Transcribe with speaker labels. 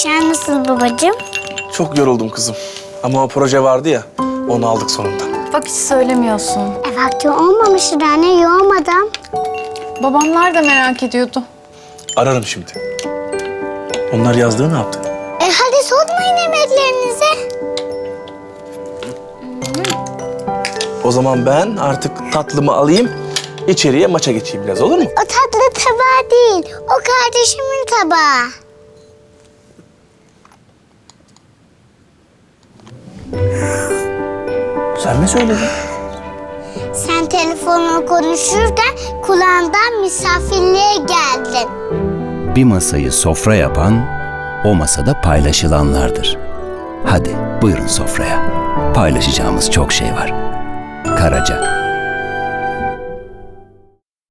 Speaker 1: İşler nasıl babacığım?
Speaker 2: Çok yoruldum kızım. Ama o proje vardı ya, onu aldık sonunda.
Speaker 3: Bak hiç söylemiyorsun.
Speaker 1: Vakti olmamıştır anne, yoğmadan.
Speaker 3: Babamlar da merak ediyordu.
Speaker 2: Ararım şimdi. Onlar yazdığı ne yaptı?
Speaker 1: Hadi soğutmayın yemeklerinizi.
Speaker 2: O zaman ben artık tatlımı alayım, içeriye maça geçeyim biraz, olur mu?
Speaker 1: O tatlı tabağı değil, o kardeşimin tabağı.
Speaker 2: Sen mi söyledin?
Speaker 1: Sen telefonla konuşurken kulağından misafirliğe geldin.
Speaker 4: Bir masayı sofra yapan, o masada paylaşılanlardır. Hadi buyurun sofraya. Paylaşacağımız çok şey var. Karaca.